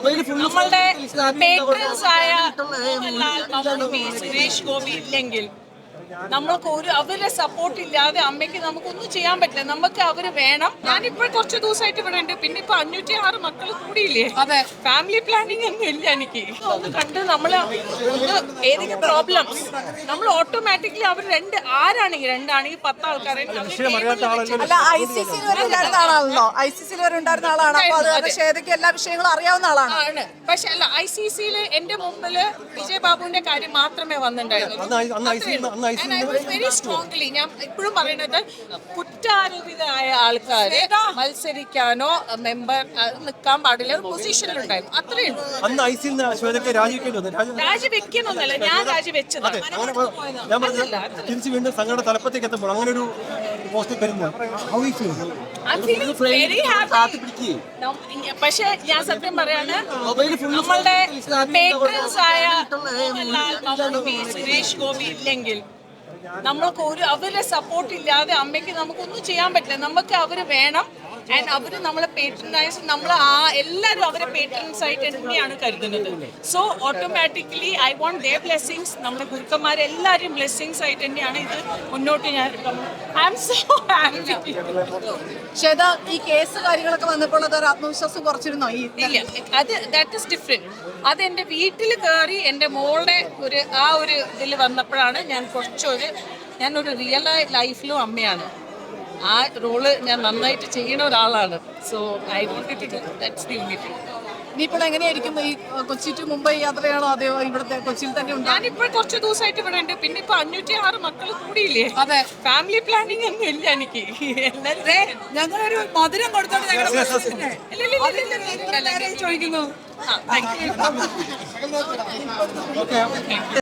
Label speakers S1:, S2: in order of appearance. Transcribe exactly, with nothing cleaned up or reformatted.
S1: നമ്മളുടെ പേട്രൻസ് ആയ മോഹൻലാൽ, മമ്മൂട്ടി, സുരേഷ് ഗോപി ഇല്ലെങ്കിൽ നമ്മൾക്ക് ഒരു അവരെ സപ്പോർട്ട് ഇല്ലാതെ അമ്മയ്ക്ക് നമുക്കൊന്നും ചെയ്യാൻ പറ്റില്ല. നമുക്ക് അവര് വേണം. ഞാനിപ്പോ കുറച്ച് ദിവസമായിട്ട് ഇവിടെ ഉണ്ട്. പിന്നെ ഇപ്പൊ അഞ്ഞൂറ്റി ആറ് മക്കൾ കൂടിയില്ലേ. അതെ, ഫാമിലി പ്ലാനിങ് ഒന്നും ഇല്ല എനിക്ക്. ഒന്ന് കണ്ട് നമ്മള് ഏതെങ്കിലും പ്രോബ്ലംസ് നമ്മൾ ഓട്ടോമാറ്റിക്കലി അവർ രണ്ട് ആരാണെങ്കിൽ രണ്ടാണെങ്കിൽ പത്ത് ആൾക്കാരെ
S2: അല്ല, ഐ സി സിയിൽ വരെ ഉണ്ടായിരുന്ന ആളാണല്ലോ. ഐ സി സിയിൽ വരെ ഉണ്ടായിരുന്ന ആളാണ്. അപ്പൊ അത് കാരണം ശ്വേതയ്ക്ക് എല്ലാ വിഷയങ്ങളും അറിയാവുന്ന ആളാണ്.
S1: ആണ്. പക്ഷെ അല്ല, ഐ സി സിയില് എന്റെ മുമ്പില് വിജയ് ബാബുവിന്റെ കാര്യം മാത്രമേ വന്നിട്ടുണ്ടായിരുന്നുള്ളൂ. വെരി സ്ട്രോങ്ലി ഞാൻ ഇപ്പോഴും പറയുന്നത്, കുറ്റാരോപിതരായ ആൾക്കാര് മത്സരിക്കാനോ മെമ്പർ നിൽക്കാൻ പാടില്ല പൊസിഷനിലുണ്ടായിരുന്നു. അത്രയും രാജിവെക്കുന്നൊന്നല്ല, ഞാൻ രാജിവെച്ചത്. പക്ഷെ ഞാൻ സത്യം പറയാണ്, നമ്മളുടെ പേട്രൻസ് ആയ മോഹൻലാൽ, മമ്മൂട്ടി, സുരേഷ് ഗോപി ഇല്ലെങ്കിൽ നമ്മൾക്ക് ഒരു അവരെ സപ്പോർട്ട് ഇല്ലാതെ അമ്മയ്ക്ക് നമുക്കൊന്നും ചെയ്യാൻ പറ്റില്ല. നമുക്ക് അവര് വേണം. ആൻഡ് അവര് നമ്മളെ പേട്രനൈസ്, നമ്മൾ ആ എല്ലാവരും അവരെ പേട്രൻസ് ആയിട്ട് തന്നെയാണ് കരുതുന്നത്. So automatically I want their blessings. നമ്മുടെ ഗുരുക്കന്മാരെ എല്ലാവരും ബ്ലെസ്സിങ്സ് ആയിട്ട് തന്നെയാണ് ഇത് മുന്നോട്ട്. ഞാൻ I am so happy.
S2: Shweta, ഈ കേസ് കാര്യങ്ങളൊക്കെ വന്നപ്പോൾ അത് ആത്മവിശ്വാസം കുറച്ചിരുന്നോ? ഈ
S1: ഇല്ല, അത് ദാറ്റ് ഇസ് ഡിഫറെന്റ്. അത് എൻ്റെ വീട്ടിൽ കയറി എൻ്റെ മോളുടെ ഒരു ആ ഒരു ഇതിൽ വന്നപ്പോഴാണ് ഞാൻ കുറച്ചൊരു ഞാനൊരു റിയൽ ലൈഫിലും അമ്മയാണ്. ആ റോള് ഞാൻ നന്നായിട്ട് ചെയ്യുന്ന ഒരാളാണ്. So I want to do that's the only thing.
S2: ഇനിയിപ്പോൾ എങ്ങനെയായിരിക്കും ഈ കൊച്ചി ടു മുംബൈ യാത്രയാണോ അതെയോ ഇവിടുത്തെ കൊച്ചിയിൽ തന്നെ ഉണ്ട്?
S1: ഞാനിപ്പോ കുറച്ച് ദിവസമായിട്ട് ഇവിടെ ഉണ്ട്. പിന്നെ ഇപ്പൊ അഞ്ഞൂറ്റി ആറ് മക്കൾ കൂടിയില്ലേ. അതെ, ഫാമിലി പ്ലാനിങ് ഒന്നും ഇല്ല എനിക്ക്.
S2: ഞങ്ങളൊരു മധുരം കൊടുത്തോണ്ട്
S1: ചോദിക്കുന്നു.